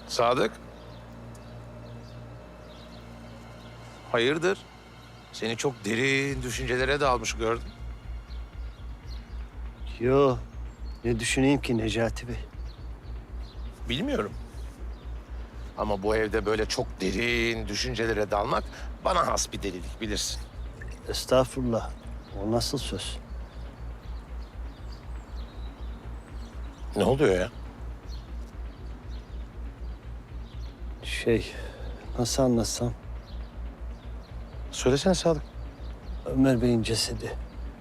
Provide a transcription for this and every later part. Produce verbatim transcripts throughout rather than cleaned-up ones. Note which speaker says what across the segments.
Speaker 1: Sadık. Hayırdır? Seni çok derin düşüncelere dalmış gördüm.
Speaker 2: Yo, ne düşüneyim ki Necati Bey?
Speaker 1: Bilmiyorum. Ama bu evde böyle çok derin düşüncelere dalmak bana has bir delilik, bilirsin.
Speaker 2: Estağfurullah. O nasıl söz?
Speaker 1: Ne oluyor ya?
Speaker 2: Şey, nasıl anlatsam?
Speaker 1: Söylesene Sadık.
Speaker 2: Ömer Bey'in cesedi.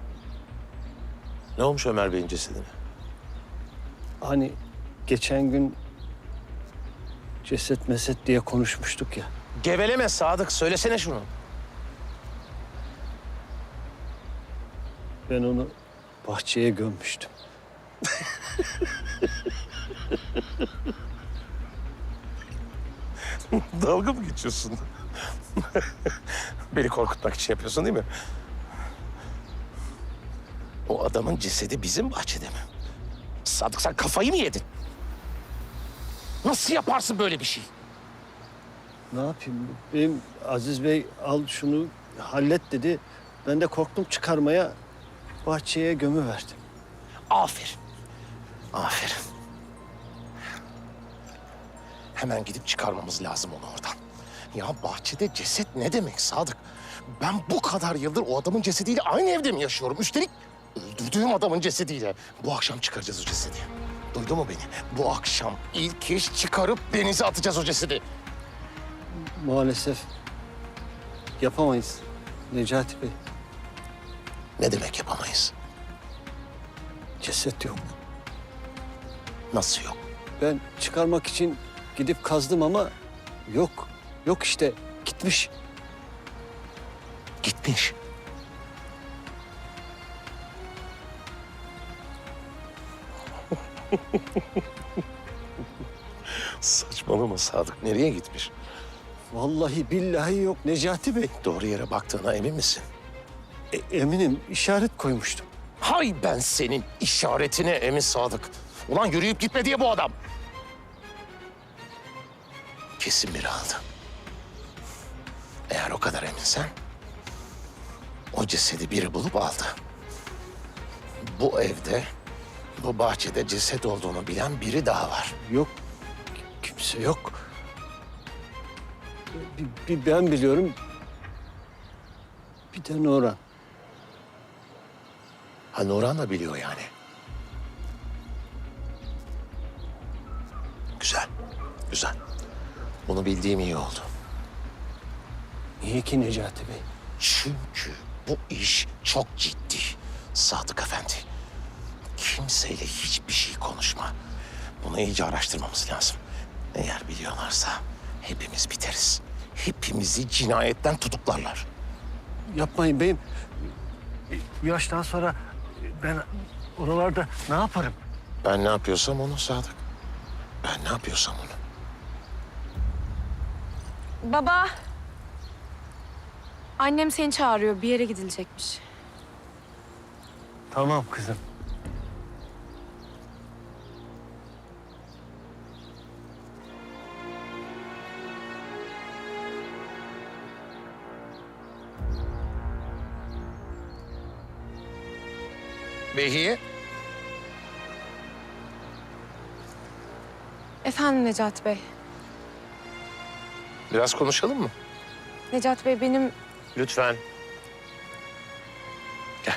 Speaker 1: Ne olmuş Ömer Bey'in cesedine?
Speaker 2: Hani geçen gün ceset meset diye konuşmuştuk ya.
Speaker 1: Geveleme Sadık, söylesene şunu.
Speaker 2: Ben onu bahçeye gömmüştüm.
Speaker 1: Dalga mı geçiyorsun? Beni korkutmak için yapıyorsun değil mi? O adamın cesedi bizim bahçede mi? Sadık, sen kafayı mı yedin? Nasıl yaparsın böyle bir şey?
Speaker 2: Ne yapayım? Benim Aziz Bey al şunu hallet dedi. Ben de korktum çıkarmaya, bahçeye gömüverdim.
Speaker 1: Aferin. Aferin. Hemen gidip çıkarmamız lazım onu oradan. Ya bahçede ceset ne demek Sadık? Ben bu kadar yıldır o adamın cesediyle aynı evde mi yaşıyorum? Üstelik öldürdüğüm adamın cesediyle. Bu akşam çıkaracağız o cesedi. Duydun mu beni? Bu akşam ilk iş çıkarıp denize atacağız o cesedi.
Speaker 2: Maalesef yapamayız Necati Bey.
Speaker 1: Ne demek yapamayız?
Speaker 2: Ceset yok.
Speaker 1: Nasıl yok?
Speaker 2: Ben çıkarmak için gidip kazdım ama yok. Yok işte, gitmiş.
Speaker 1: Gitmiş. Saçmalama Sadık. Nereye gitmiş?
Speaker 2: Vallahi billahi yok Necati Bey.
Speaker 1: Doğru yere baktığına emin misin?
Speaker 2: E, eminim işaret koymuştum.
Speaker 1: Hay ben senin işaretine emin Sadık. Ulan yürüyüp gitme diye bu adam. Kesin biri aldı. Eğer o kadar eminsen o cesedi biri bulup aldı. Bu evde, bu bahçede ceset olduğunu bilen biri daha var.
Speaker 2: Yok, kimse yok. Bir, bir ben biliyorum, bir de Nurhan.
Speaker 1: Ha, Nurhan da biliyor yani. Güzel, güzel. Bunu bildiğim iyi oldu.
Speaker 2: Niye ki Necati Bey?
Speaker 1: Çünkü bu iş çok ciddi Sadık Efendi. Kimseyle hiçbir şey konuşma. Bunu iyice araştırmamız lazım. Eğer biliyorlarsa hepimiz biteriz. Hepimizi cinayetten tutuklarlar.
Speaker 2: Yapmayın beyim. Bu yaştan sonra ben oralarda ne yaparım?
Speaker 1: Ben ne yapıyorsam onu Sadık. Ben ne yapıyorsam onu.
Speaker 3: Baba. Annem seni çağırıyor. Bir yere gidilecekmiş.
Speaker 2: Tamam kızım.
Speaker 1: Behiye,
Speaker 3: Efendim Necati Bey.
Speaker 1: biraz konuşalım mı?
Speaker 3: Necati Bey benim...
Speaker 1: Lütfen. Gel.